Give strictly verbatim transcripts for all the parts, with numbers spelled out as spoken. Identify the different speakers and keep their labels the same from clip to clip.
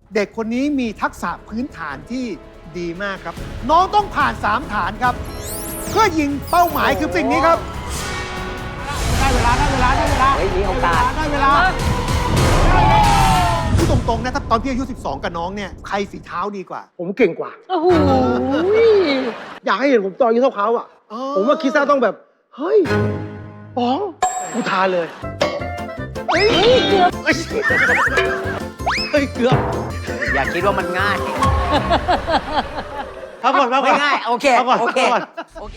Speaker 1: เด็กคนนี้มีทักษะพื้นฐานที่ดีมากครับ น้องต้องผ่านสามฐานครับ เพื่อยิงเป้าหมายคือสิ่งนี้ครับได้เวลาได้เวลาได้เวลา
Speaker 2: เฮ้ยมีโอกาส
Speaker 1: ได้เวลาพูดตรงๆนะถ้าตอนพี่อายุสิบสองกับน้องเนี่ยใครฝีเท้าดีกว่า
Speaker 3: ผมเก่งกว่า
Speaker 4: โอ้โห
Speaker 3: อยากให้เห็นผมตอนอายุเท่าเขาอ่ะ
Speaker 1: อ๋อ
Speaker 3: ผมว่าคิดซ่าต้องแบบ เฮ้ยป๋องกูทานเลย
Speaker 4: เฮ้ยเกือบ
Speaker 3: เฮ้ยเฮ้ยเกือบ
Speaker 2: อย่าคิดว่ามันง่าย
Speaker 3: พักก่อนพักก่
Speaker 2: ไม่
Speaker 3: อน
Speaker 2: ง่าย โอเค
Speaker 3: พักก่อน
Speaker 2: โอเค
Speaker 3: พักก่อน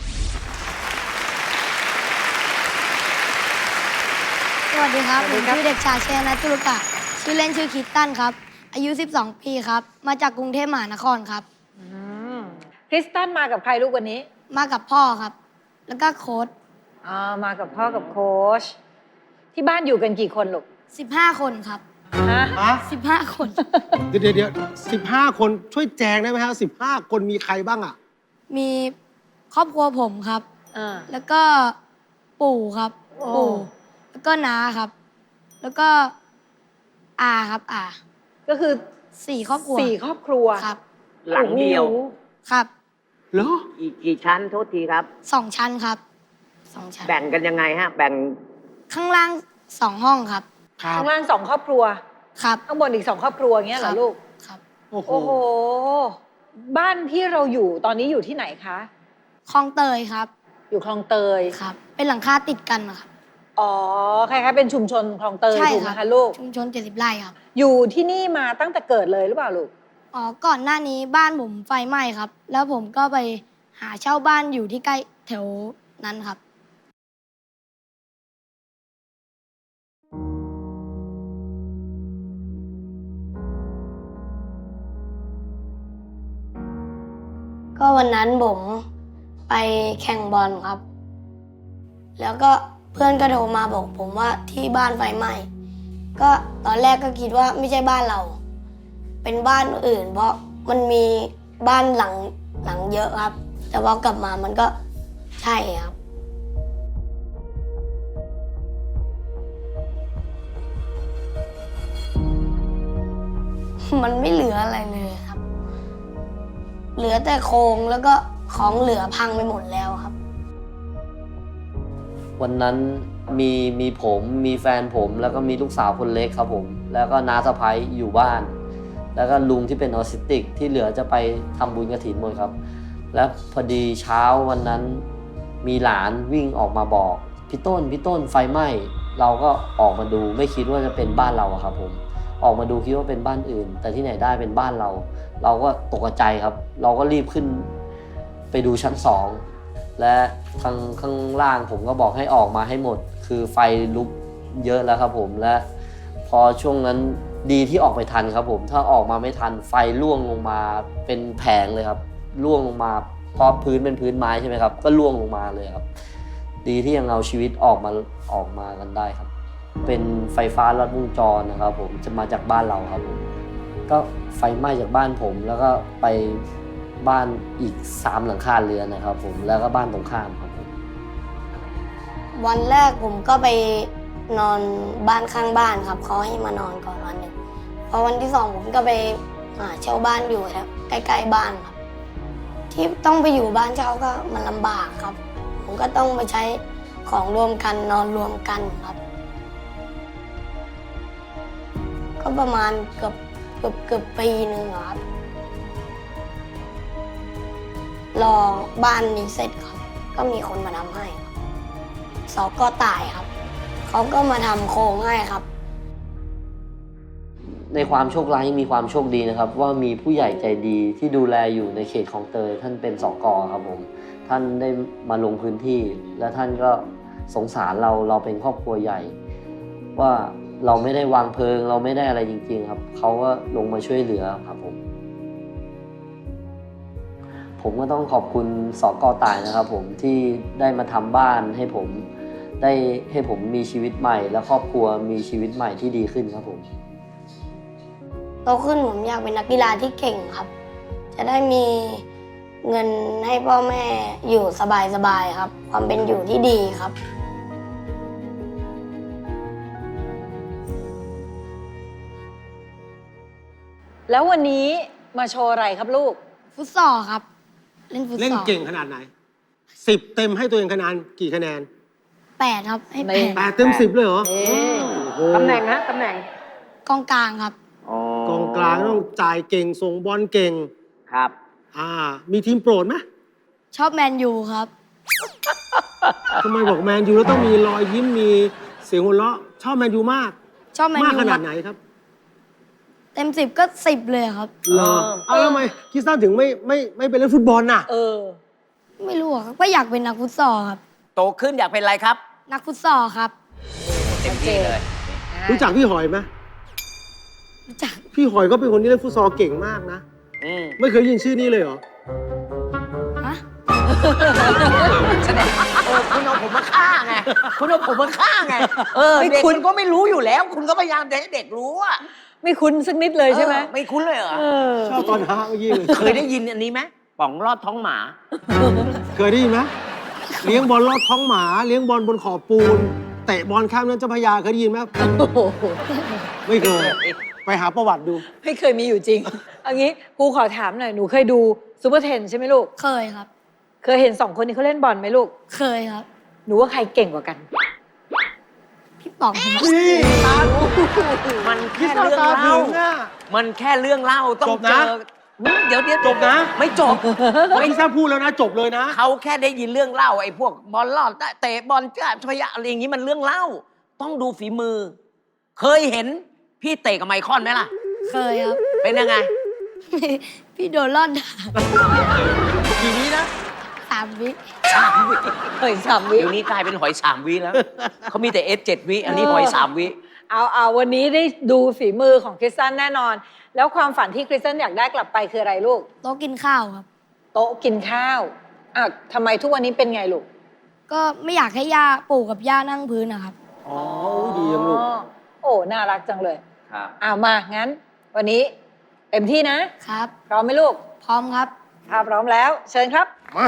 Speaker 5: สวัสดีครับ ผมชื่อเด็กชายเชยนัทตุลกะชื่อเล่นชื่อคิตตันครับ อายุ สิบสอง ปีครับ มาจากกรุงเทพมหานครครับ
Speaker 4: อืมคริสตันมากับใครลูกวันนี้
Speaker 5: มากับพ่อครับ แล้วก็โค้ด
Speaker 4: อ่ามากับพ่อกับโค้ชที่บ้านอยู่กันกี่คนลูก
Speaker 5: สิบห้า คนครับ
Speaker 4: ฮะ
Speaker 3: ฮะ
Speaker 5: สิบห้า คน
Speaker 3: เดี๋ยวเดี๋ยวเดี๋ยวสิบห้าคนช่วยแจงได้ไหมฮะสิบห้าคนมีใครบ้างอ่ะ
Speaker 5: มีครอบครัวผมครับ
Speaker 4: อ่า
Speaker 5: แล้วก็ปู่ครับ
Speaker 4: โอ้
Speaker 5: ปู่ แล้วก็น้าครับ แล้วก็อาครับอา
Speaker 4: ก็คือ
Speaker 5: สี่ครอบครัว
Speaker 4: สี่ครอบครัว
Speaker 5: ครับ
Speaker 2: หลังเดียว
Speaker 4: โอ้โห
Speaker 5: ครับ
Speaker 3: เหรอ
Speaker 2: อีกกี่ชั้นโทษทีครับ
Speaker 5: สองชั้นครับสองชั้น
Speaker 2: แบ่งกันยังไงฮะ แบ่ง
Speaker 5: ข้างล่างสองห้องครับ
Speaker 3: ครับ
Speaker 4: ข้างล่างสองครอบครัว
Speaker 5: ครับ
Speaker 4: ข้างบนอีกสองครอบครัวอย่างเงี้ยเหรอลูก
Speaker 5: ครับ
Speaker 3: โอ้โห
Speaker 4: โอ้โห บ้านที่เราอยู่ตอนนี้อยู่ที่ไหนคะ
Speaker 5: คลองเตยครับ
Speaker 4: อยู่คลองเตย
Speaker 5: ครับ เป็นหลังคาติดกันนะครับ
Speaker 4: อ๋อคล้ายๆเป็นชุมชนคลองเตย
Speaker 5: ใช่
Speaker 4: ถูกไห
Speaker 5: ค
Speaker 4: ม
Speaker 5: รับ
Speaker 4: คะลูก
Speaker 5: ชุมชนเจ็ดสิบไร่ครับ
Speaker 4: อยู่ที่นี่มาตั้งแต่เกิดเลยหรือเปล่าลูก
Speaker 5: อ๋อ ก่อนหน้านี้บ้านผมไฟไหม้ครับ แล้วผมก็ไปหาเช่าบ้านอยู่ที่ใกล้แถวนั้นครับ ก็วันนั้นผมไปแข่งบอลครับ แล้วก็เพื่อนก็โทรมาบอกผมว่าที่บ้านไฟไหม้ ก็ตอนแรกก็คิดว่าไม่ใช่บ้านเรา เป็นบ้านอื่น เพราะมันมีบ้านหลังหลังเยอะครับ แต่พอกลับมามันก็ใช่ครับ มันไม่เหลืออะไรเลยครับ เหลือแต่โครงแล้วก็ของเหลือพังไปหมดแล้วครับ
Speaker 6: วันนั้นมีมีผมมีแฟนผมแล้วก็มีลูกสาวคนเล็กครับผมแล้วก็น้าสะใภ้อยู่บ้าน แล้วก็ลุงที่เป็นออทิสติกที่เหลือจะไปทำบุญกฐินหมดครับแล้วพอดีเช้าวันนั้นมีหลานวิ่งออกมาบอกพี่ต้นพี่ต้นไฟไหม้เราก็ออกมาดูไม่คิดว่าจะเป็นบ้านเราอะครับผมออกมาดูคิดว่าเป็นบ้านอื่น แต่ที่ไหนได้เป็นบ้านเรา เราก็ตกใจครับ เราก็รีบขึ้นไปดูชั้นสองและทางข้างล่างผมก็บอกให้ออกมาให้หมดคือไฟลุกเยอะแล้วครับผมและพอช่วงนั้นดีที่ออกไปทันครับผมถ้าออกมาไม่ทันไฟล่วงลงมาเป็นแผงเลยครับล่วงลงมาเพราะพื้นเป็นพื้นไม้ใช่ไหมครับก็ล่วงลงมาเลยครับดีที่ยังเอาชีวิตออกมาออกมากันได้ครับเป็นไฟฟ้าลัดวงจรนะครับผมจะมาจากบ้านเราครับผมก็ไฟไหม้จากบ้านผมแล้วก็ไปบ้านอีกสามหลังคาเรือนนะครับผมแล้วก็บ้านตรงข้ามครับผม
Speaker 5: วันแรกผมก็ไปนอนบ้านข้างบ้านครับเขาให้มานอนก่อนวันหนึ่งพอวันที่สองผมก็ไปหาเช่าบ้านอยู่ครับใกล้ๆบ้านครับ ที่ต้องไปอยู่บ้านเช่าก็มันลำบากครับ ผมก็ต้องไปใช้ของรวมกันนอนรวมกันครับ ก็ประมาณเกือบเกือบเกือบปีหนึ่งครับรอบ้านนี้เสร็จครับก็มีคนมาทำให้ครับสกตายครับเขาก็มาทำโครงให้ครับ
Speaker 6: ในความโชคร้ายยังมีความโชคดีนะครับว่ามีผู้ใหญ่ใจดีที่ดูแลอยู่ในเขตคลองเตยท่านเป็นสกครับผมท่านได้มาลงพื้นที่และท่านก็สงสารเราเราเป็นครอบครัวใหญ่ ว่าเราไม่ได้วางเพลิงเราไม่ได้อะไรจริงๆครับเขาก็ลงมาช่วยเหลือครับผมผมก็ต้องขอบคุณสกตายนะครับผมที่ได้มาทำบ้านให้ผมได้ให้ผมมีชีวิตใหม่และครอบครัวมีชีวิตใหม่ที่ดีขึ้นครับผม
Speaker 5: โตขึ้นผมอยากเป็นนักกีฬาที่เก่งครับ จะได้มีเงินให้พ่อแม่อยู่สบายๆครับ ความเป็นอยู่ที่ดีครับ
Speaker 4: หแล้ววันนี้มาโชว์อะไรครับลูก
Speaker 5: ฟุตซอลครับ เล่นฟุตซอล
Speaker 3: เล่นเก่งขนาดไหนสิบเต็มให้ตัวเองคะแนนกี่คะแนน
Speaker 5: แปดครับ ให้แป
Speaker 4: ไม่
Speaker 5: ด
Speaker 3: แปดเต็มสิบเลยเหรอ
Speaker 4: เอ๊ะ
Speaker 3: โอ้โห
Speaker 2: ตำแหน่งฮะตำแหน่ง
Speaker 5: กองกลางครับ
Speaker 3: กองกลางต้องจ่ายเก่งส่งบอลเก่ง
Speaker 2: ครับ
Speaker 3: อ่า มีทีมโปรดไหม
Speaker 5: ชอบแมนยูครับ
Speaker 3: ทำไมบอกแมนยูแล้วต้องมีรอยยิ้มมีเสียงหัวเราะชอบแมนยูมาก
Speaker 5: ชอบแมน
Speaker 3: มาก
Speaker 5: ยู
Speaker 3: ขนาดไหนครับ
Speaker 5: เต็มสิบก็สิบเลยครับ
Speaker 3: เหรอเอาแล้วทำไมคริสตันถึงไม่ไม่ไม่ไปเล่นฟุตบอลน่ะ
Speaker 4: เออ
Speaker 5: ไม่รู้อะครับก็อยากเป็นนักฟุตซอลครับ
Speaker 2: โตขึ้นอยากเป็นอะไรครับ
Speaker 5: นักฟุตซอลครับ
Speaker 2: เต็มที่เลย
Speaker 3: รู้จักพี่หอยไหม
Speaker 5: รู้จัก
Speaker 3: พี่หอยก็เป็นคนที่เล่นฟุตซอลเก่งมากนะ
Speaker 2: อืม
Speaker 3: ไม่เคยยินชื่อนี้เลยเหรอ
Speaker 5: ฮะ
Speaker 2: แสดงเออคุณเอาผมมาฆ่าไง คุณเอาผมมาฆ่าไง เออ
Speaker 4: ไม่
Speaker 2: เด็ก
Speaker 4: คุ
Speaker 2: คุณ ณก็ไม่รู้อยู่แล้ว คุณก็พยายามจะให้เด็กรู้อะ
Speaker 4: ไม่คุ้นสักนิดเลยใช่ไหม
Speaker 2: เออไม่คุ้นเลยเหรอ
Speaker 4: เออ
Speaker 3: ชอบตอนฮาเมื่อกี้เลย
Speaker 2: เคยได้ยินอันนี้ไหมป๋องรอดท้องหมา
Speaker 3: เคยได้ยินไหมเลี้ยงบอลลอดท้องหมา เลี้ยงบอลบนขอบปูน เตะบอลข้ามนั้นเจ้าพระยาเคยได้ยินไหม
Speaker 4: โอ้โห
Speaker 3: ไม่เคย ไปหาประวัติดู
Speaker 4: ไม่เคยมีอยู่จริงเอางี้ครูขอถามหน่อย หนูเคยดูซูเปอร์เทนใช่ไหมลูก
Speaker 5: เคยครับ
Speaker 4: เคยเห็นสองคนนี้เขาเล่นบอลไหมลูก
Speaker 5: เคยครับ
Speaker 4: หนูว่าใครเก่งกว่ากัน
Speaker 5: พี่ป๋องครับ
Speaker 3: นี่
Speaker 2: มัน
Speaker 3: คริ
Speaker 2: แค่
Speaker 3: สตัน
Speaker 2: เรื่อง
Speaker 3: ตาถึ
Speaker 2: เล่า
Speaker 3: งอ่ะ
Speaker 2: มันแค่เรื่องเล่าต้อง
Speaker 3: จบ
Speaker 2: เจ
Speaker 3: นะ
Speaker 2: อเดี๋ยวเดี๋ยว
Speaker 3: จบนะ
Speaker 2: ไม่จบ
Speaker 3: ไม่ทราบพูดแล้วนะ จบเลยนะ
Speaker 2: เขาแค่ได้ยินเรื่องเล่าไอ้พวกบอลลอดเตะบอลจ้าชยะอะไรอย่างนี้มันเรื่องเล่า ต้องดูฝีมือ เคยเห็นพี่เตะกับไมคอนไหมล่ะ
Speaker 5: เคยครับ
Speaker 2: เป็นยังไง
Speaker 5: พี่โดนลอดด่า
Speaker 2: กี่วินะ
Speaker 5: สามวิ
Speaker 2: สามวิ
Speaker 4: เฮ้ยสามวิ
Speaker 2: เดี๋ยวนี้กลายเป็นหอยสามวิแล้วเขามีแต่เอสเจ็ดวิอันนี้หอยสามวิ
Speaker 4: เอาเอาวันนี้ได้ดูฝีมือของคริสตันแน่นอน แล้วความฝันที่คริสตันอยากได้กลับไปคืออะไรลูก
Speaker 5: โต๊ะกินข้าวครับ
Speaker 4: โต๊ะกินข้าวอ่ะทำไมทุกวันนี้เป็นไงลูก
Speaker 5: ก็ไม่อยากให้ย่าปู่กับย่านั่งพื้นนะครับ
Speaker 3: อ๋อดีจังลูก
Speaker 4: อ๋อโอ้น่ารักจังเลย
Speaker 2: ครับ
Speaker 4: เอามางั้น วันนี้เต็มที่นะ
Speaker 5: ครับ
Speaker 4: พร้อมไหมลูก
Speaker 5: พร้อมครับ
Speaker 4: ถ้าพร้อมแล้ว เชิญครับ
Speaker 3: มา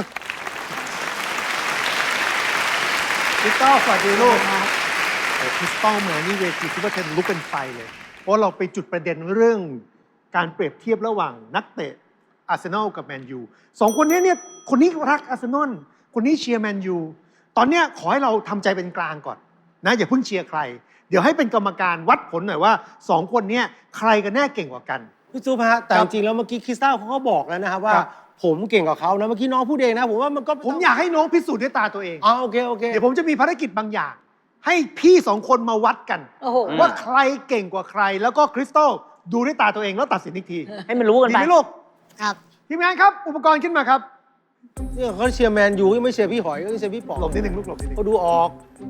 Speaker 1: คริสตัลสวัสดีลูกโอ้คริสตัลเหมือนนี่เวทีซูเปอร์เทนลุกเป็นไฟเลย เพราะเราไปจุดประเด็นเรื่องการเปรียบเทียบระหว่างนักเตะอาร์เซนอลกับแมนยูสองคนนี้เนี่ยคนนี้รักอาร์เซนอลคนนี้เชียร์แมนยูตอนเนี้ยขอให้เราทำใจเป็นกลางก่อนนะอย่าเพิ่งเชียร์ใคร เดี๋ยวให้เป็นกรรมการวัดผลหน่อยว่าสองคนเนี้ยใครกันแน่เก่งกว่ากัน
Speaker 3: พี่ซูฮะแต่
Speaker 1: ค
Speaker 3: จ
Speaker 1: รับ
Speaker 3: ริงๆแล้วเมื่อกี้คริสตัลเขาก็บอกแล้วนะครับว่า
Speaker 1: ครับ
Speaker 3: ผมเก่งกว่าเขานะเมื่อกี้น้องพูดเองนะผมว่ามันก็
Speaker 1: ผมอยากให้น้องพิสูจน์ด้วยตาตัวเอง
Speaker 3: อ๋อโอเคโอเค
Speaker 1: เดี๋ยวผมจะมีภารกิจบางอย่าง ให้พี่สองคนมาวัดกัน
Speaker 4: โอ้โห
Speaker 1: ว่าใครเก่งกว่าใคร แล้วก็คริสตัลดูด้วยตาตัวเองแล้วตัดสินอีกที
Speaker 2: ให้มันรู้กัน
Speaker 1: ดี
Speaker 2: ไป
Speaker 1: ไหมลูก
Speaker 5: ครับ
Speaker 1: ทีมงานครับ อุปกรณ์ขึ้นมาครับ
Speaker 3: เนี่ยเขาเชียร์แมนยูไม่เชียร์พี่หอยก็เชียร์พี่ป๋อง
Speaker 1: หลบนิดนึงลูกหลบนิดนึง
Speaker 3: เขาดูออก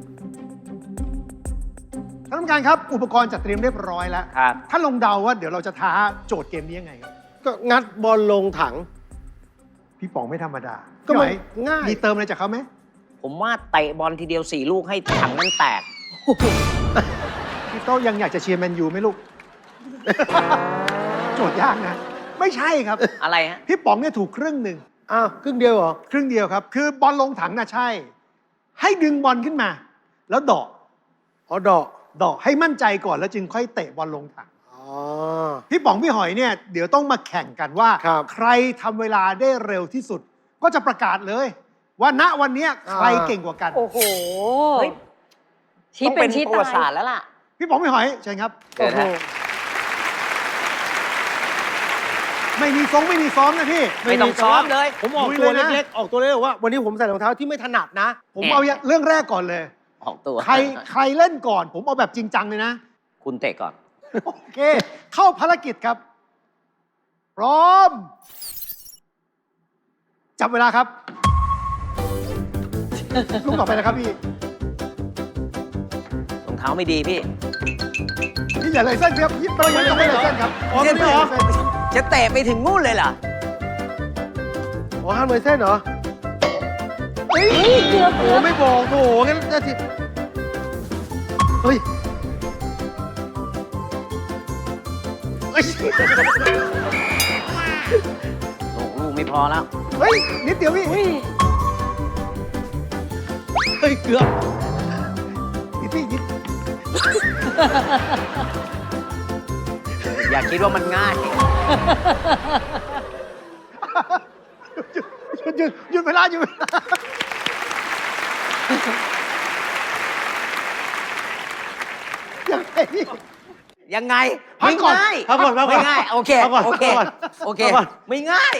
Speaker 1: ท่านผู้การครับ อุปกรณ์จัดเตรียมเรียบร้อยแล้ว
Speaker 2: ครับ
Speaker 1: ถ้าลงเดาว่าเดี๋ยวเราจะท้าโจทย์เกมนี้ยังไงครับ
Speaker 3: ก็งัดบอลลงถัง
Speaker 1: พี่ป๋องไม่ธรรมดา
Speaker 3: ก็มัน
Speaker 1: พี่หอย
Speaker 3: ง่าย
Speaker 1: มีเติมอะไรจากเขาไหม
Speaker 2: ผมว่าเตะบอลทีเดียวสี่ลูกให้ถังมันแตก
Speaker 1: พี่โต้ยังอยากจะเชียร์แมนยูไหมลูก โจทย์ยากนะ ไม่ใช่ครับ
Speaker 2: อะไรฮะ
Speaker 1: พี่ป๋องเนี่ยถูกครึ่งหนึ่ง
Speaker 3: อ้าวครึ่งเดียวเหรอ
Speaker 1: ครึ่งเดียวครับ คือบอลลงถังน่ะใช่ ให้ดึงบอลขึ้นมา แล้วเดาะ
Speaker 3: อ๋อดอก
Speaker 1: เดาะให้มั่นใจก่อนแล้วจึงค่อยเตะบอลลงถัง
Speaker 3: อ๋อ
Speaker 1: พี่ป๋องพี่หอยเนี่ยเดี๋ยวต้องมาแข่งกันว่า
Speaker 3: ครับ
Speaker 1: ใครทำเวลาได้เร็วที่สุด ก็จะประกาศเลย ว่าณวันเนี้ยใครเก่งกว่ากัน
Speaker 4: โอ้โห
Speaker 2: เฮ้ย
Speaker 4: ชี้
Speaker 2: ต้อง
Speaker 4: เป็
Speaker 2: เป็น น
Speaker 4: ชี้
Speaker 2: ประวั
Speaker 4: ตา
Speaker 2: ติศาสต
Speaker 4: ย
Speaker 2: ร์แล้วล่ะ
Speaker 1: พี่ป๋องพี่หอยเชิญครับ
Speaker 2: เกิดนะ
Speaker 1: ไม่มีซ้อมไม่มีซ้อมนะพี่
Speaker 2: ไม่ต้องซ้อมเลย
Speaker 3: ผมออก
Speaker 1: ลุย
Speaker 3: ตัว
Speaker 1: เลยนะ
Speaker 3: เล็กๆ ออกตัวเล็กๆว่า วันนี้ผมใส่รองเท้าที่ไม่ถนัดนะ
Speaker 1: ผมเอาเรื่องแรกก่อนเลย
Speaker 2: ออกตัว
Speaker 1: ใครใครเล่นก่อน ผมเอาแบบจริงจังเลยนะ
Speaker 2: คุณเตะก่อน
Speaker 1: โอเค เข้าภารกิจครับ พร้อม จับเวลาครับ ลูกต่อไปนะครับพี่
Speaker 2: รองเท้าไม่ดีพี่
Speaker 1: พี่อย่าเลยเส้นครับพี่ต้องไม่ต้องไม่เลยเส้นครับ
Speaker 3: อ๋อไม่ได้เหรอ
Speaker 2: จะเตะไปถึงนู่นเลยเหรอ
Speaker 3: อ๋อห้ามเลยเส้นเหรอ
Speaker 1: เฮ้ย
Speaker 4: เกือบ
Speaker 3: โอ้
Speaker 4: เกือบ
Speaker 3: ไม่บอกโถงั้นนาทีเฮ้ยเฮ้ย
Speaker 2: โอ้ลูกไม่พอแล้ว
Speaker 1: เฮ้ย นิดเดียวพี่
Speaker 4: อุ้ย
Speaker 3: เฮ้ยเกือบ
Speaker 1: นิดพี่นิด
Speaker 2: อย่าคิดว่ามันง่าย
Speaker 1: หยุดหยุดหยุดเวลาหยุดเวลายังไงพี่
Speaker 2: ยังไง
Speaker 1: พัก
Speaker 2: ไม่
Speaker 1: ก่อน
Speaker 2: ง่าย
Speaker 3: พักก่อนพักก่อน
Speaker 2: ไม่ง่ายโอเค
Speaker 3: พักก่อน
Speaker 2: โอเค
Speaker 3: พักก่อน
Speaker 2: โอเค
Speaker 3: พักก่อน
Speaker 2: ไม่ง่าย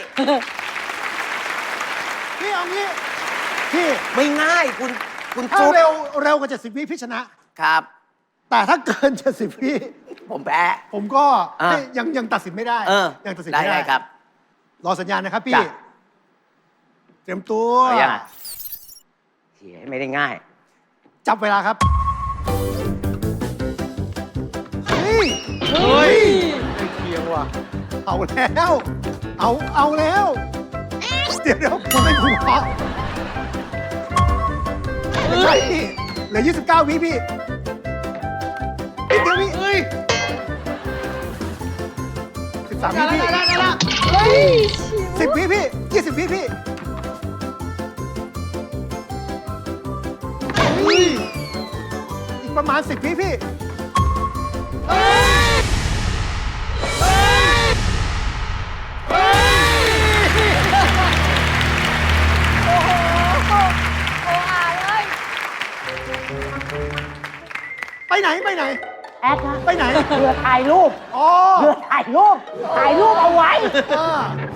Speaker 1: พี่เอางี้พี่
Speaker 2: ไม่ง่ายคุณคุณ
Speaker 1: ถ้า
Speaker 2: ฟุ๊ก
Speaker 1: เร็วเร็วกว่าเจ็ดสิบวิพี่ชนะ
Speaker 2: ครับ
Speaker 1: แต่ถ้าเกินเจ็ดสิบวิ
Speaker 2: ผมแพ้
Speaker 1: ผมก็
Speaker 2: อ่ะ
Speaker 1: ไม่ยังยังตัดสินไม่ได้
Speaker 2: เออ
Speaker 1: ยังตัดสิน
Speaker 2: ได้
Speaker 1: ไม่ได้
Speaker 2: ได้ครับ
Speaker 1: รอสัญญาณนะครับพี่
Speaker 2: จ้ะ
Speaker 1: เตรียมตัว
Speaker 2: เอายังอ่ะเหี้ยไม่ได้ง่าย
Speaker 1: จับเวลาครับ เฮ้ย เฮ้ยไอ้เคียงว่ะ เอาแล้ว เอา เอาแล้ว เดี๋ยวเดี๋ยวคุณเป็นคุณเพาะไม่ใช่พี่ เหลือยี่สิบเก้าวิพี่นิดเดียวพี่เฮ้ยสิบสามวิพี่สิบวิพี่ยี่สิบวิพี่เฮ้ยอีกประมาณสิบวิพี่ ไปไหน ไปไหน
Speaker 7: แอดนะ
Speaker 1: ไปไหน
Speaker 7: เพื่อถ่ายรูป
Speaker 1: อ๋อ
Speaker 7: เพื่อถ่ายรูป ถ่ายรูปเอาไว้
Speaker 1: อ่า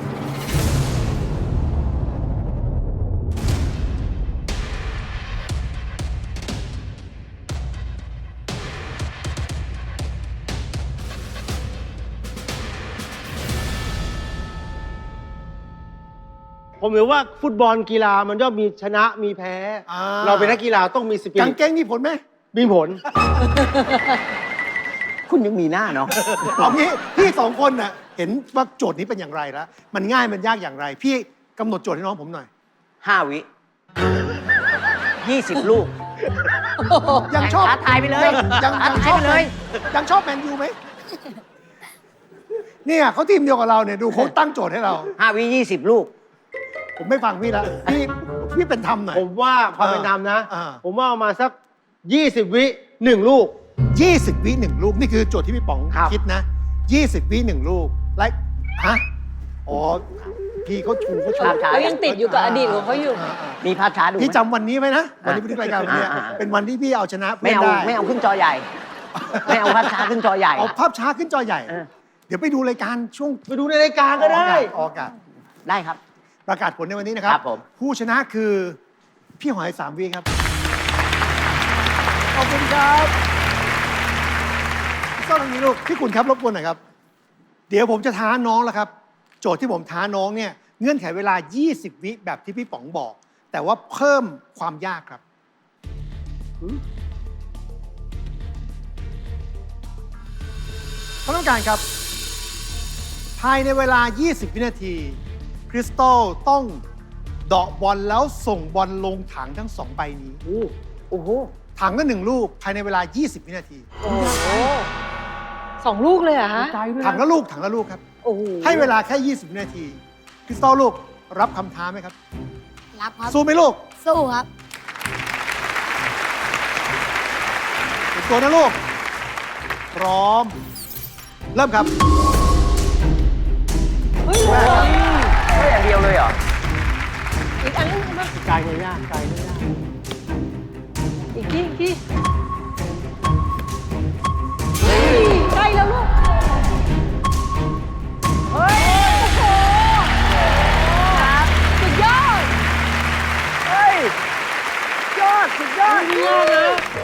Speaker 3: ผมถือว่าฟุตบอลกีฬามันย่อมมีชนะมีแพ้
Speaker 1: อ่า
Speaker 3: เราเป็นนักกีฬาต้องมีสปิ
Speaker 1: กาง
Speaker 3: ริต
Speaker 1: เกงมีผลไหม
Speaker 3: มีผล
Speaker 2: คุณยังมีหน้าเนาะ
Speaker 1: เอางี้พี่สองคนน่ะเห็นว่าโจทย์นี้เป็นอย่างไรแล้ว มันง่ายมันยากอย่างไร พี่กำหนดโจทย์ให้น้องผมหน่อย
Speaker 2: ห้าวิยี่สิบลูก
Speaker 1: ยังชอบ
Speaker 2: ท้าทายไปเลย
Speaker 1: ยัง
Speaker 2: ท้า
Speaker 1: ยัง
Speaker 2: ทา
Speaker 1: ช
Speaker 2: ย
Speaker 1: อบ
Speaker 2: ไปเลย
Speaker 1: ยังชอบแมนยูไหมเนี่ยเขาทีมเดียวกับเราเนี่ยดูเขาตั้งโจทย์ให้เรา
Speaker 2: ห้าวิยี่สิบลูก
Speaker 1: ผมไม่ฟังพี่ละพี่พี่เป็นธรรมหน่อย
Speaker 3: ผมว่าความเป็นธรรมนะ
Speaker 1: อ่า
Speaker 3: ผมว่าเอามาสัก ยี่สิบ วิหนึ่งลูก
Speaker 1: ยี่สิบวิหนึ่งลูก นี่คือโจทย์ที่พี่ป๋อง
Speaker 3: ครับ
Speaker 1: คิดนะยี่สิบวิหนึ่งลูกไลค์ฮะอ๋อพี่เขาชูเขาชู
Speaker 2: ครับครับ
Speaker 4: เขายังติดอยู่กับอดีตของเขาอยู่
Speaker 1: อ่าอ่า
Speaker 2: มีภาพช้าดูไหม
Speaker 1: พี่จำวันนี้ไว้นะ วันนี้พี่รายการวันนี้
Speaker 2: อ่าอ่า
Speaker 1: เป็นวันที่พี่เอาชนะ
Speaker 2: ไม่
Speaker 1: เพื่อน
Speaker 2: เอา
Speaker 1: ได้
Speaker 2: ไม่เอาขึ้นจอใหญ่ ไม่เอาภาพช้าขึ้นจอใหญ่
Speaker 1: เอาภาพช้าขึ้นจอใหญ่
Speaker 2: เออ
Speaker 1: เดี๋ยวไปดูรายการช่วง
Speaker 3: ไปดูในรายการก็ได้
Speaker 1: ออกอากาศ
Speaker 2: ได้ครับ
Speaker 1: ประกาศผลในวันนี้นะครับ
Speaker 2: ครับผม
Speaker 1: ผู้ชนะคือพี่หอยสามวีครับ ขอบคุณครับพี่ส้มตรงนี้ลูกพี่คุณครับรบกวนหน่อยครับ เดี๋ยวผมจะท้าน้องแล้วครับ โจทย์ที่ผมท้าน้องเนี่ยเงื่อนไขเวลา ยี่สิบ วิแบบที่พี่ป๋องบอก แต่ว่าเพิ่มความยากครับท่านต้องการครับ ภายในเวลา ยี่สิบ วินาที คริสตัลต้องเดาะบอลแล้วส่งบอลลงถังทั้งสองใบนี้
Speaker 2: โอ้โห
Speaker 1: ถังละหนึ่งลูกภายในเวลา ยี่สิบ วินาที
Speaker 4: โอ้โหสองลูกเลยเหรอฮะ
Speaker 1: ถังละลูก ถังละลูกครับ
Speaker 4: โอ้โห
Speaker 1: ให้เวลาแค่ ยี่สิบ วินาที คริสตัลลูกรับคำท้าไหมครับ
Speaker 5: รับครับ
Speaker 1: สู้ไหมลูก
Speaker 5: สู้ครับ
Speaker 1: เตรียมตัวนะลูก พร้อม เริ่มครับ
Speaker 4: เฮ้ย
Speaker 1: แม่ครับ
Speaker 2: ไม่อย่างเดียวเลยเหรอ
Speaker 4: อีกอันนึงมา
Speaker 3: ไกลไม่ยากไกลไม่ยาก
Speaker 4: อีกทีอีกทีเฮ้ยใกล้แล้วลูก เฮ้ย โอ้โหสุดยอด
Speaker 2: เฮ้ย ยอด สุดยอด
Speaker 3: ไม่ยากนะ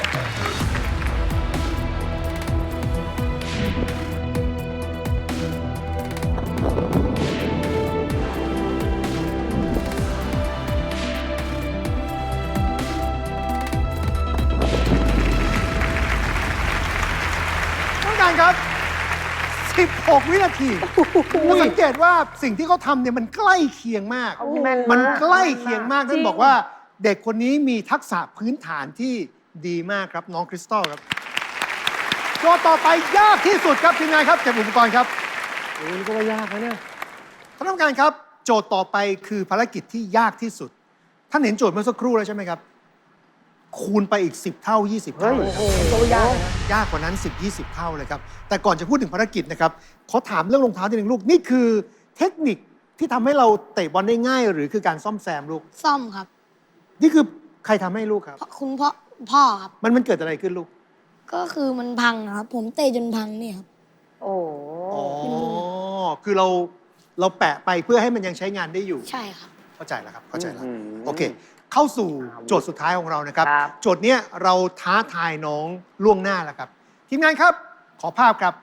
Speaker 1: ต้องการครับ สิบหก วินาทีจะสังเกตว่าสิ่งที่เขาทำเนี่ยมันใกล้เคียงมาก
Speaker 2: แม่นมาก
Speaker 1: มันใกล้เคียงมาก
Speaker 4: จริ
Speaker 1: นั่
Speaker 4: ง
Speaker 1: นบอกว่าเด็กคนนี้มีทักษะพื้นฐานที่ดีมากครับน้องคริสตัลครับโจทย์ต่อไปยากที่สุดครับทีมงานครับเก็บอุปกรณ์ครับ
Speaker 3: โอ้ยนี่ก็ว่ายากนะเนี่ย
Speaker 1: ท่านผู้การครับ โจทย์ต่อไปคือภารกิจที่ยากที่สุด ท่านเห็นโจทย์เมื่อสักครู่แล้วใช่ไหมครับคูณไปอีก สิบ เท่า ยี่สิบ เท่าเลยครับ
Speaker 7: ตัวยากนะ
Speaker 1: ยากกว่านั้น สิบ ยี่สิบ เท่าเลยครับ แต่ก่อนจะพูดถึงภารกิจนะครับ ขอถามเรื่องรองเท้าทีหนึ่งลูก นี่คือเทคนิคที่ทำให้เราเตะบอลได้ง่าย หรือคือการซ่อมแซมลูก
Speaker 5: ซ่อมครับ
Speaker 1: นี่คือใครทำให้ลูกครับ
Speaker 5: เพราะคุณพ่อพ่อครับ
Speaker 1: มันมันเกิดอะไรขึ้นลูก
Speaker 5: ก็คือมันพังนะครับ ผมเตะจนพังเนี่ยครับ
Speaker 7: โอ้
Speaker 1: อ๋อ คือเราเราแปะไปเพื่อให้มันยังใช้งานได้อยู่
Speaker 5: ใช่ครับ
Speaker 1: เข้าใจแล้วครับ เข้าใจแล้ว
Speaker 2: อืม
Speaker 1: โอเค เข้าสู่โจทย์สุดท้ายของเรานะครับ
Speaker 2: ครับ
Speaker 1: โจทย์เนี้ยเราท้าทายน้องล่วงหน้าแล้วครับ ทีมงานครับ ขอภาพครับ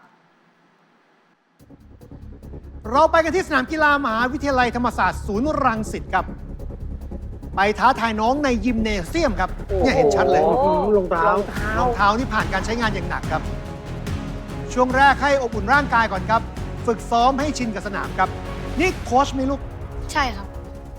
Speaker 1: เราไปกันที่สนามกีฬามหาวิทยาลัยธรรมศาสตร์ศูนย์รังสิตครับ ไปท้าทายน้องในยิมเนเซียมครับ เนี่ยเห็นชัดเลย
Speaker 7: โอ้โห
Speaker 3: รองเท้า
Speaker 7: รองเท้าร
Speaker 1: องเท้านี่ผ่านการใช้งานอย่างหนักครับ ช่วงแรกให้อบอุ่นร่างกายก่อนครับ ฝึกซ้อมให้ชินกับสนามครับ นี่โค้ชไหมลูก
Speaker 5: ใช่ครับ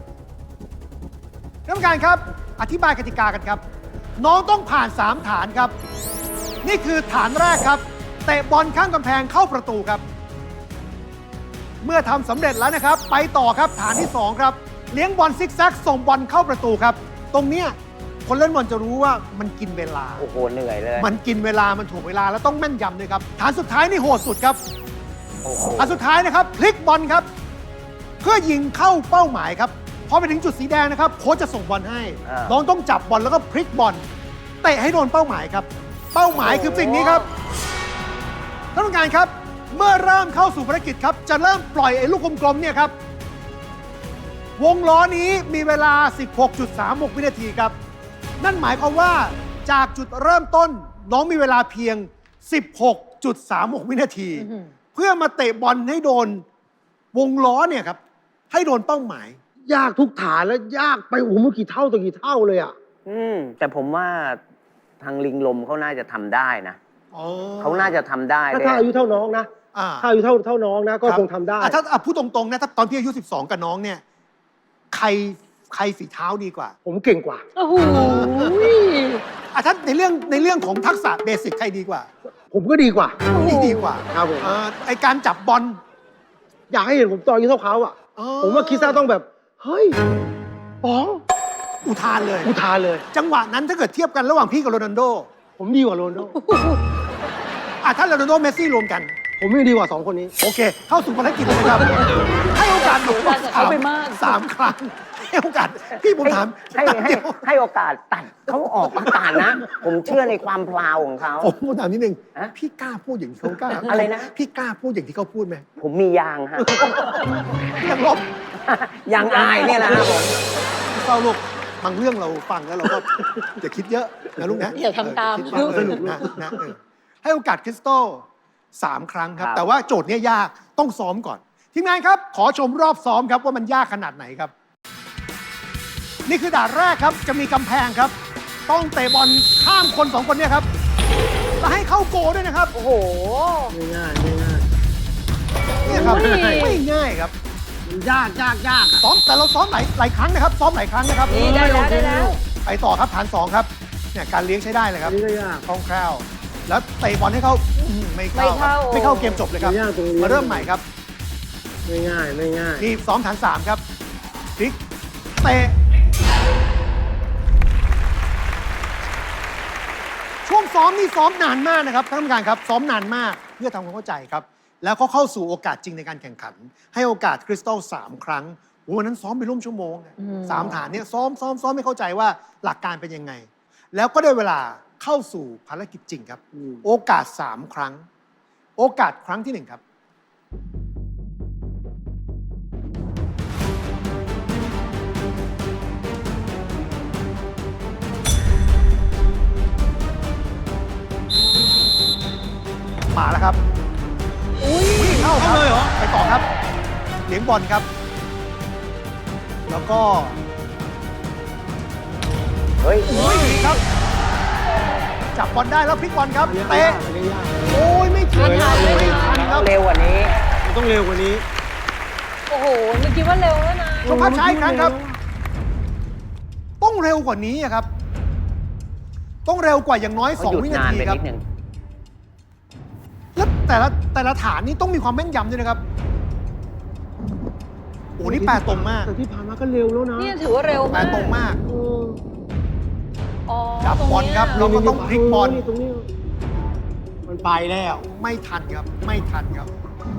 Speaker 1: ท่านผู้การครับ อธิบายกติกากันครับ น้องต้องผ่าน สาม ฐานครับ นี่คือฐานแรกครับ เตะบอลข้างกำแพงเข้าประตูครับ เมื่อทำสำเร็จแล้วนะครับ ไปต่อครับฐานที่ สอง ครับ เลี้ยงบอลซิกแซกส่งบอลเข้าประตูครับ ตรงเนี้ยคนเล่นบอลจะรู้ว่ามันกินเวลา
Speaker 2: โอ้โห เหนื่อยเลย
Speaker 1: มันกินเวลา มันถ่วงเวลา แล้วต้องแม่นยำด้วยครับ ฐานสุดท้ายนี่โหดสุดครับ
Speaker 2: โอ้โห
Speaker 1: ฐานสุดท้ายนะครับ พลิกบอลครับ เพื่อยิงเข้าเป้าหมายครับ พอไปถึงจุดสีแดงนะครับ โค้ชจะส่งบอลให้
Speaker 2: อ่า
Speaker 1: น้องต้องจับบอลแล้วก็พลิกบอล เตะให้โดนเป้าหมายครับ เป้าหมายคือสิ่งนี้ครับท่านผู้การครับ เมื่อเริ่มเข้าสู่ภารกิจครับ จะเริ่มปล่อยไอ้ลูกกลมๆเนี่ยครับ วงล้อนี้มีเวลา สิบหกจุดสามหก วินาทีครับ นั่นหมายความว่าจากจุดเริ่มต้นน้องมีเวลาเพียง สิบหกจุดสามหก วินาที เพื่อมาเตะบอลให้โดนวงล้อเนี่ยครับ ให้โดนเป้าหมาย
Speaker 3: ยากทุกฐานแล้วยากไปโอ้โหมันกี่เท่าต่อกี่เท่าเลยอ่ะ
Speaker 2: อืม แต่ผมว่าทางลิงลมเขาน่าจะทำได้นะ
Speaker 1: อ๋อ
Speaker 2: เขาน่าจะทำได้
Speaker 3: ถ้า
Speaker 2: ด้วย
Speaker 3: ถ้าอายุเท่าน้องนะ
Speaker 1: อ่า
Speaker 3: ถ้าอายุเท่าเท่าน้องนะก็
Speaker 1: รับ
Speaker 3: คงทำได้
Speaker 1: อ่ะถ้าอ่ะพูดตรงๆนะถ้าตอนพี่อายุ สิบสอง กับน้องเนี่ย ใครใครฝีเท้าดีกว่า
Speaker 3: ผมเก่งกว่า
Speaker 4: โอ้โห
Speaker 1: อ่ะถ้าในเรื่องในเรื่องของทักษะเบสิกใครดีกว่า
Speaker 3: ผมก็ดีกว่า
Speaker 1: นี่ดีกว่า
Speaker 3: ครับผม
Speaker 1: อ่าไอการจับบอล
Speaker 3: อยากให้เห็นผมตอนอายุเท่าเขาอ่ะ
Speaker 1: อ๋อ
Speaker 3: ผมว่าคิดซ่าต้องแบบ เฮ้ยป๋อง
Speaker 1: อุทานเลย
Speaker 3: อุทานเลย
Speaker 1: จังหวะนั้นถ้าเกิดเทียบกันระหว่างพี่กับโรนัลโด
Speaker 3: ผมดีกว่าโรนลโด
Speaker 1: อ่ะถ้าโรนัลโดเมสซี่รวมกัน
Speaker 3: ผมไม่ดีกว่าสองคนนี้
Speaker 1: โอเค เข้าสู่ภารกิจเลยนะครับ ให้โอกาสหนู
Speaker 4: เอาไปมาก
Speaker 1: สามครั้ง ให้โอกาส พี่ผมถาม
Speaker 2: ให้ให้
Speaker 1: เดี๋ยว
Speaker 2: ให้โอกาสตัดเขาออกอากาศนะ ผมเชื่อในความพลาวของเขา
Speaker 1: ผมผมถามนิดนึง
Speaker 2: ฮะ
Speaker 1: พี่กล้าพูดอย่างที่เขากล้า
Speaker 2: อะไรนะ
Speaker 1: พี่กล้าพูดอย่างที่เขาพูดไหม
Speaker 2: ผมมียางฮะ
Speaker 1: ยังลบ
Speaker 2: ยางอายเนี่ยนะฮะผม
Speaker 1: เศร้าลูกบางเรื่องเราฟังแล้วเราก็ อย่าคิดเยอะนะลูกนะ
Speaker 4: อย่าทำตาม
Speaker 1: เออคิดบ้งสนุกนะนะเออให้โอกาสคริสตัลสามครั้งครับ
Speaker 2: ครับ
Speaker 1: แต่ว่าโจทย์เนี้ยยากต้องซ้อมก่อน ทีมงานครับ ขอชมรอบซ้อมครับว่ามันยากขนาดไหนครับ นี่คือด่านแรกครับ จะมีกำแพงครับ ต้องเตะบอลข้ามคนสองคนเนี่ยครับและให้เข้าโกลด้วยนะครับ
Speaker 4: โอ้โห
Speaker 3: ไม่ง่ายไม่ง่าย
Speaker 1: เนี่ยครับ
Speaker 4: อุ้ย
Speaker 1: ไม่ง่ายครับ
Speaker 3: มันยากยากยากอะ
Speaker 1: ซ้อมแต่เราซ้อมหลายหลายครั้งนะครับ ซ้อมหลายครั้งนะครับ
Speaker 4: นี่ได้แล้วได้แล้ว
Speaker 1: ไปต่อครับฐานสองครับเนี่ยการเลี้ยงใช้ได้เลยค
Speaker 3: อั
Speaker 1: รั
Speaker 3: น
Speaker 1: บ
Speaker 3: นี้ก็ยาก
Speaker 1: คล่องแคล่วแล้วเตะบอลให้เขาอื้อหือไม่เข้า
Speaker 4: ไม่เข้า
Speaker 1: ไม่เข้าเกมจบเลยครับ
Speaker 3: ไม่ยากตรงนี้
Speaker 1: มาเริ่มใหม่ครับ
Speaker 3: ไม่ง่ายไม่ง่าย
Speaker 1: นี่ซ้อมฐานสามครับพลิกเตะช่วงซ้อมนี่ซ้อมนานมากนะครับท่านผู้การครับ ซ้อมนานมากเพื่อทำความเข้าใจครับ แล้วก็เข้าสู่โอกาสจริงในการแข่งขัน ให้โอกาสคริสตัลสามครั้งโอ้วันนั้นซ้อมไปร่วมชั่วโมงนะสามฐานเนี่ยซ้อมซ้อมซ้อมไม่เข้าใจว่าหลักการเป็นยังไง แล้วก็ได้เวลาเข้าสู่ภารกิจจริงครับ
Speaker 3: อืม
Speaker 1: โอกาสสามครั้ง โอกาสครั้งที่หนึ่งครับ มาแล้วครับ อุ้ยเข้าครับเลยเหรอ ไปต่อครับ เลี้ยงบอลครับ แล้วก็
Speaker 2: เฮ้ย
Speaker 1: อุ้ยดีครับ จับบอลได้แล้วพลิกบอลครับ
Speaker 3: อันนี้ก็
Speaker 1: เตะ
Speaker 3: ยากอันนี้ยาก
Speaker 1: โอ้ยไม่ทัน
Speaker 3: ไม่ทัน
Speaker 1: ไม่ทันครับ
Speaker 2: เร็วกว่านี้
Speaker 3: มันต้องเร็วกว่านี้
Speaker 4: โอ้โหเมื่อกี้ว่าเร็วแล้วนะ
Speaker 1: ชมภาพช้าอีกครั้งครับ ต้องเร็วกว่านี้อะครับ ต้องเร็วกว่าอย่างน้อย
Speaker 2: เขา
Speaker 1: สอง
Speaker 2: หยุด
Speaker 1: วินาน
Speaker 2: าน
Speaker 1: ที
Speaker 2: ไป
Speaker 1: ครับ
Speaker 2: นิดนึง
Speaker 1: แล้วแต่ละแต่ละฐานนี่ต้องมีความแม่นยำด้วยนะครับ โอ้นี่แปลตรงมาก
Speaker 3: แต่ที่ผ่านมาก็เร็วแล้วนะ
Speaker 4: นี่ถือว่าเร็ว
Speaker 1: แปล
Speaker 4: มาก
Speaker 1: ตรงมาก
Speaker 3: เออ
Speaker 4: โอ้อ๋อ
Speaker 1: จับบอลครับ
Speaker 4: ต
Speaker 1: เรา
Speaker 4: งนี้
Speaker 1: ก็ต้องพลิกบอล
Speaker 3: ตรงนี้ มันไปแล้ว
Speaker 1: ไม่ทันครับ ไม่ทันครับ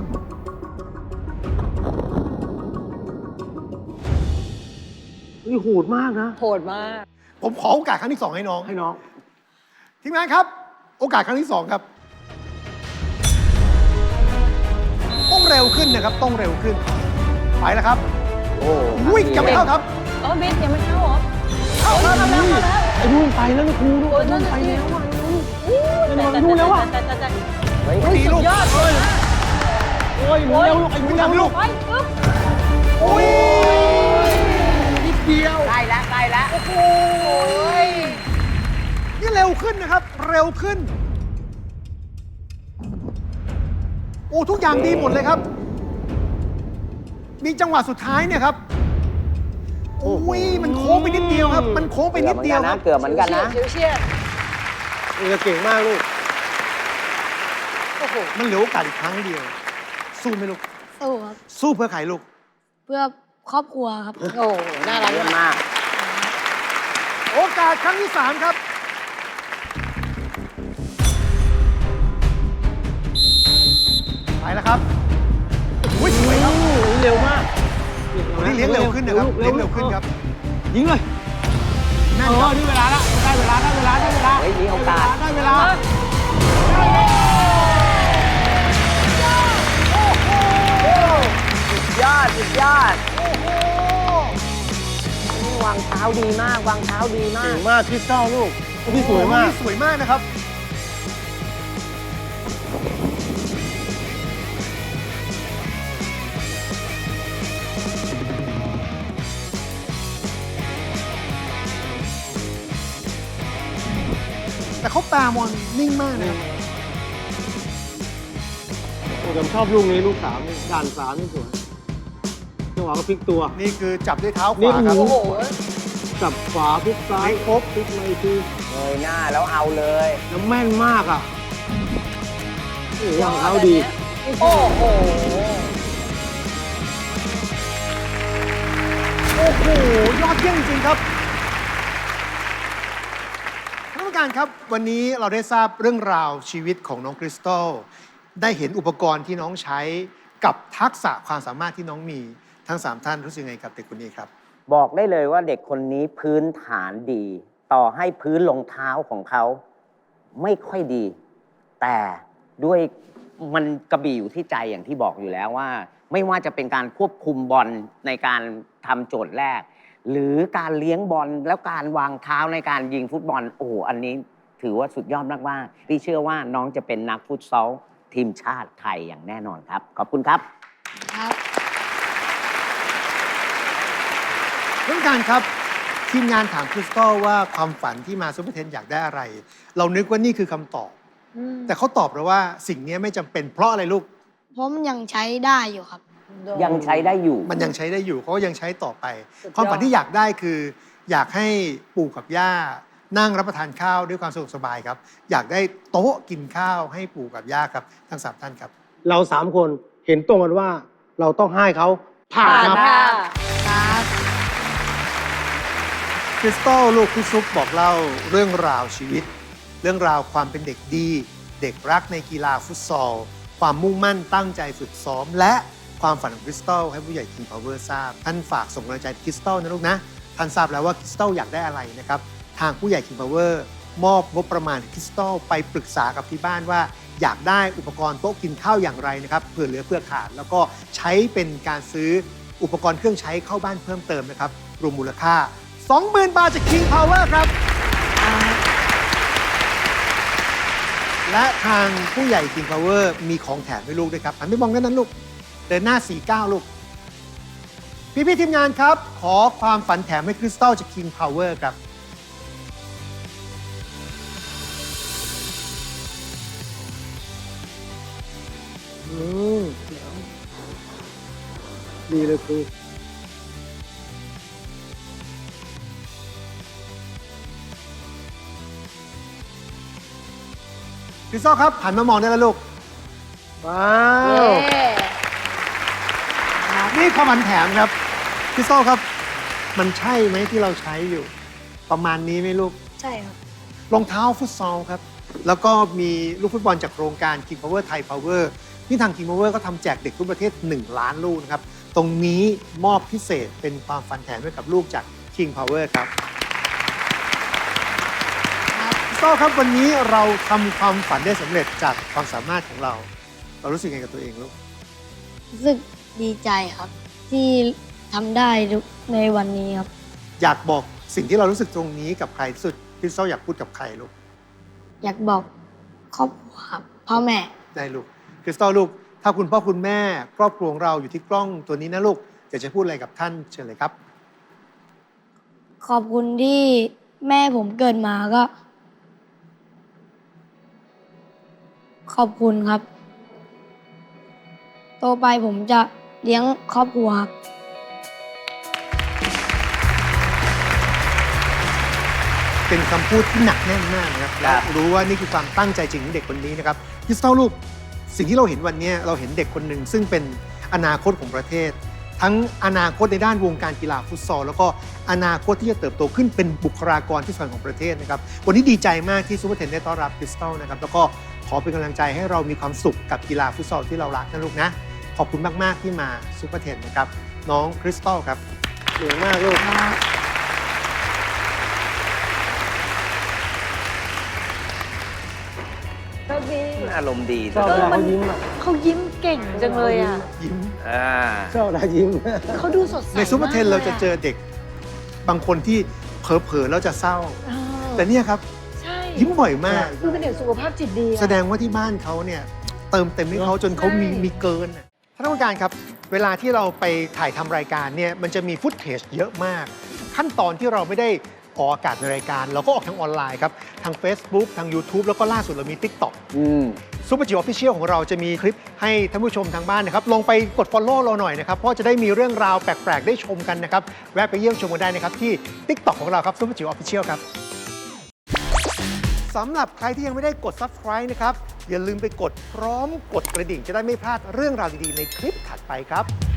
Speaker 3: นี่โหดมากนะ
Speaker 4: โหดมาก
Speaker 1: ผมขอโอกาสครั้งที่สองให้น้อง
Speaker 3: ให้น้อง
Speaker 1: ทีมงานครับ โอกาสครั้งที่สองครับ ต้องเร็วขึ้นนะครับ ต้องเร็วขึ้น ไปแล้วครับ
Speaker 6: โอ้
Speaker 1: วิ่งยังไม่เข้าครับ
Speaker 4: เออบิ๊กยังไม่เข้าเหรอ
Speaker 1: เข้าแล้วครับ
Speaker 4: เข้าแล้ว
Speaker 3: ไอ้นู่นไปแล้วนะครูนู่น
Speaker 4: โอ้ย
Speaker 3: ไอ้
Speaker 4: นั่
Speaker 3: นู่
Speaker 4: น
Speaker 3: น
Speaker 4: ไป
Speaker 3: ไป
Speaker 4: แล้
Speaker 3: แล้ว ว
Speaker 4: อ่ะ
Speaker 3: อ่ะ
Speaker 4: แต่
Speaker 3: นู่นแล้วอ่ะ
Speaker 4: แต่แต่แต่
Speaker 6: เฮ้ย
Speaker 1: ดีลูก
Speaker 4: ยอด
Speaker 1: เอ้ย
Speaker 3: โอ้ยหนูเร็วลูกไอ้หนูเร็วลูก
Speaker 4: ไปปึ๊บ
Speaker 1: โอ้ย
Speaker 3: นิดเดียว
Speaker 7: ใกล้แล้วใกล้แล้ว
Speaker 4: โอ้ย
Speaker 1: นี่เร็วขึ้นนะครับ เร็วขึ้น โอ้ทุกอย่างดีหมดเลยครับ มีจังหวะสุดท้ายเนี่ยครับ โอ้ยมันโค้งไปนิดเดียวครับ มันโค้งไปนิดเดียวครับ
Speaker 7: เกือบเหมือนกันนะ
Speaker 4: เฉียวเฉียด
Speaker 3: เออเก่งมากลูก
Speaker 4: โอ้โห
Speaker 1: มันเหลือโอกาสอีกครั้งเดียว สู้ไหมลูก
Speaker 5: สู้ครับ
Speaker 1: สู้เพื่อใครลูก
Speaker 5: เพื่อครอบครัวครับ
Speaker 4: โอ้โหน่ารัก
Speaker 7: เยี่ยมมาก
Speaker 1: โอกาสครั้งที่สามครับ ไปแล้วครับอุ้ยสวยครับ
Speaker 3: เร็วมาก
Speaker 1: นี่เลี้ยงเร็วขึ้นนะครับ เลี้ยงเร็วขึ้นครับ
Speaker 3: ยิงเลย
Speaker 1: แม่
Speaker 3: เอน
Speaker 1: ครั
Speaker 3: อบ นี่เวลาละได้เวลาได้เวลาได้เวลา
Speaker 7: เฮ้ยมีโอกาส
Speaker 3: ได้เวลา
Speaker 7: สุดยอด สุดยอดนี่วางเท้าดีมาก วางเท้าดีมา
Speaker 3: เก่
Speaker 7: ก
Speaker 3: งมากคริสตัลลูกนี่สวยมาก
Speaker 1: สวยมากนะครับ แต่เขาปามอนนิ่งมากนะครับ
Speaker 3: ผมชอบลูกนี้ลูกสามนี่ด่านสามนี่สวยจังหวะก็พลิกตัว
Speaker 1: นี่คือจับด้วยเท้าข
Speaker 3: นี่
Speaker 1: วาครับ
Speaker 3: โอ้
Speaker 4: โอ้
Speaker 3: โห
Speaker 4: โห
Speaker 3: จับขวาพลิกซ้ายครบพลิกมาอีกที
Speaker 7: เงยหน้าแล้วเอาเลย
Speaker 3: แล้วแม่นมากอ่ะโอ้โหวางเท้าดี
Speaker 4: โอ้โห
Speaker 1: โอ้โห ยอดเยี่ยมจริงๆครับท่านผู้การครับ วันนี้เราได้ทราบเรื่องราวชีวิตของน้องคริสตัลได้เห็นอุปกรณ์ที่น้องใช้กับทักษะความสามารถที่น้องมีทั้งสามท่านรู้สึกไงกับเด็กคนนี้ครับ
Speaker 7: บอกได้เลยว่าเด็กคนนี้พื้นฐานดี ต่อให้พื้นรองเท้าของเขาไม่ค่อยดี แต่ด้วยมันกระบี่อยู่ที่ใจอย่างที่บอกอยู่แล้วว่า ไม่ว่าจะเป็นการควบคุมบอลในการทำโจทย์แรก หรือการเลี้ยงบอลแล้วการวางเท้าในการยิงฟุตบอลโอ้โหอันนี้ถือว่าสุดยอดมากๆที่เชื่อว่าน้องจะเป็นนักฟุตซอลทีมชาติไทยอย่างแน่นอนครับ ขอบคุณครับ
Speaker 5: ครับ
Speaker 1: ท่านผู้การครับ ทีมงานถามคริสตัลว่าความฝันที่มาซูเปอร์เทนอยากได้อะไร เรานึกว่านี่คือคำตอบ แต่เขาตอบเราว่าสิ่งนี้ไม่จำเป็นเพราะอะไรลูก
Speaker 5: เพราะมันยังใช้ได้อยู่ครับ
Speaker 7: ยังใช้ได้อยู่
Speaker 1: มันยังใช้ได้อยู่เขาก็ยังใช้ต่อไป
Speaker 4: สุดยอด
Speaker 1: ความฝันที่อยากได้คือ อยากให้ปู่กับย่านั่งรับประทานข้าวด้วยความสะดวกสบายครับ อยากได้โต๊ะกินข้าวให้ปู่กับย่าครับทั้งสามท่านครับ
Speaker 3: เราสามคนเห็นตรงกันว่าเราต้องให้เขาผ่านครับ
Speaker 4: ค่ะ
Speaker 5: ครับ
Speaker 1: คริสตัลลูกพี่ซุปบอกเล่าเรื่องราวชีวิต เรื่องราวความเป็นเด็กดี เด็กรักในกีฬาฟุตซอล ความมุ่งมั่นตั้งใจฝึกซ้อม และความฝันของคริสตัลให้ผู้ใหญ่ King Power ทราบ ท่านฝากส่งกำลังใจคริสตัลนะลูกนะ ท่านทราบแล้วว่าคริสตัลอยากได้อะไรนะครับ ทางผู้ใหญ่ King Power มอบงบประมาณคริสตัลไปปรึกษากับที่บ้านว่า อยากได้อุปกรณ์โต๊ะกินข้าวอย่างไรนะครับเผื่อเหลือเพื่อขาด แล้วก็ใช้เป็นการซื้ออุปกรณ์เครื่องใช้เข้าบ้านเพิ่มเติมนะครับรวมมูลค่า สองหมื่น บาทจาก King Power ครับ และทางผู้ใหญ่ King Power มีของแถมให้ลูกด้วยครับหันไปมองด้านนั้นลูก เดินหน้า สี่สิบเก้า ลูก พี่พี่ๆทีมงานครับ ขอความฝันแถมให้คริสตัลจาก King Power ครับ
Speaker 3: อืมดีเลยครู
Speaker 1: คริสตัลครับหันมามองได้แล้วลูก
Speaker 3: ว้า
Speaker 4: เย้
Speaker 3: ว
Speaker 1: นี่ความฝันแถมครับคริสตัลครับ มันใช่ไหมที่เราใช้อยู่ ประมาณนี้ไหมลูก
Speaker 5: ใช่ครับ
Speaker 1: รองเท้าฟุตซอลครับ แล้วก็มีลูกฟุตบอลจากโครงการ King Power Thai Power ที่ทาง King Power ก็ทำแจกเด็กทั่วประเทศ หนึ่ง ล้านลูกนะครับ ตรงนี้มอบพิเศษเป็นความฝันแถมให้กับลูกจาก King Power ครับพี่โต้ครับวันนี้เราทำความฝันได้สำเร็จจากความสามารถของเรา เรารู้สึกยังไงกับตัวเองลูก
Speaker 5: รู้สึกดีใจครับ ที่ทำได้ในวันนี้ครับ
Speaker 1: อยากบอกสิ่งที่เรารู้สึกตรงนี้กับใครที่สุดพี่โต้อยากพูดกับใครลูก
Speaker 5: อยากบอกครอบครัวครับพ่อแม่
Speaker 1: ได้ลูกคริสตัลลูก ถ้าคุณพ่อคุณแม่ครอบครัวของเราอยู่ที่กล้องตัวนี้นะลูกอยากจะพูดอะไรกับท่านเชิญเลยครับ
Speaker 5: ขอบคุณที่แม่ผมเกิดมาก็ ขอบคุณครับ โตไปผมจะเลี้ยงครอบครัวครับ
Speaker 1: เป็นคำพูดที่หนักแน่นมากนะครับและรู้ว่านี่คือความตั้งใจจริงของเด็กคนนี้นะครับคริสตัลลูก สิ่งที่เราเห็นวันนี้เราเห็นเด็กคนหนึ่งซึ่งเป็นอนาคตของประเทศ ทั้งอนาคตในด้านวงการกีฬาฟุตซอลแล้วก็อนาคตที่จะเติบโตขึ้นเป็นบุคลากรที่สำคัญของประเทศนะครับวันนี้ดีใจมากที่ซูเปอร์เทนได้ต้อนรับคริสตัลนะครับแล้วก็ขอเป็นกำลังใจให้เรามีความสุขกับกีฬาฟุตซอลที่เรารักนะลูกนะขอบคุณมากๆที่มาซูเปอร์เทนนะครับน้องคริสตัลครับเก่งมากลูก
Speaker 4: โชคดี
Speaker 7: อารมณ์ดี
Speaker 3: ชอบ
Speaker 7: นะ
Speaker 3: เวลาเขายิ้มอ่ะ
Speaker 4: เขายิ้มเก่งจังเลยอ่ะ
Speaker 1: ยิ้ม
Speaker 7: อ่า
Speaker 3: ชอบเวลายิ้ม
Speaker 4: เขาดูสดใส
Speaker 1: ในซูเปอร์เทน
Speaker 4: มกลย
Speaker 1: เราจะเจอเด็กบางคนที่เผลอๆแล้วจะเศร้า
Speaker 4: เออ
Speaker 1: แต่เนี่ยครับ
Speaker 4: ใช่
Speaker 1: ยิ้มบ่อยมาก
Speaker 4: คือเป็นเด็กสุขภาพจิตดีอะ
Speaker 1: แสดงว่าที่บ้านเขาเนี่ยเติมเต็มให้เขาจนเขามี
Speaker 4: ใช่
Speaker 1: มีเกินน่ะท่านผู้การครับ เวลาที่เราไปถ่ายทำรายการเนี่ยมันจะมีฟุตเทจเยอะมาก ขั้นตอนที่เราไม่ได้ออกอากาศในรายการ เราก็ออกทางออนไลน์ครับ ทาง Facebook ทาง YouTube แล้วก็ล่าสุดเรามี TikTok
Speaker 3: อืม
Speaker 1: ซูเปอร์จิ๋วออฟฟิเชียลของเราจะมีคลิปให้ท่านผู้ชมทางบ้านนะครับลงไปกด Follow เราหน่อยนะครับ เพราะจะได้มีเรื่องราวแปลก ๆ ได้ชมกันนะครับ แวะไปเยี่ยมชมกันได้นะครับ ที่ TikTok ของเราครับซูเปอร์จิ๋วออฟฟิเชียลครับสำหรับใครที่ยังไม่ได้กด Subscribe นะครับ อย่าลืมไปกดพร้อมกดกระดิ่งจะได้ไม่พลาดเรื่องราวดี ๆ ในคลิปถัดไปครับ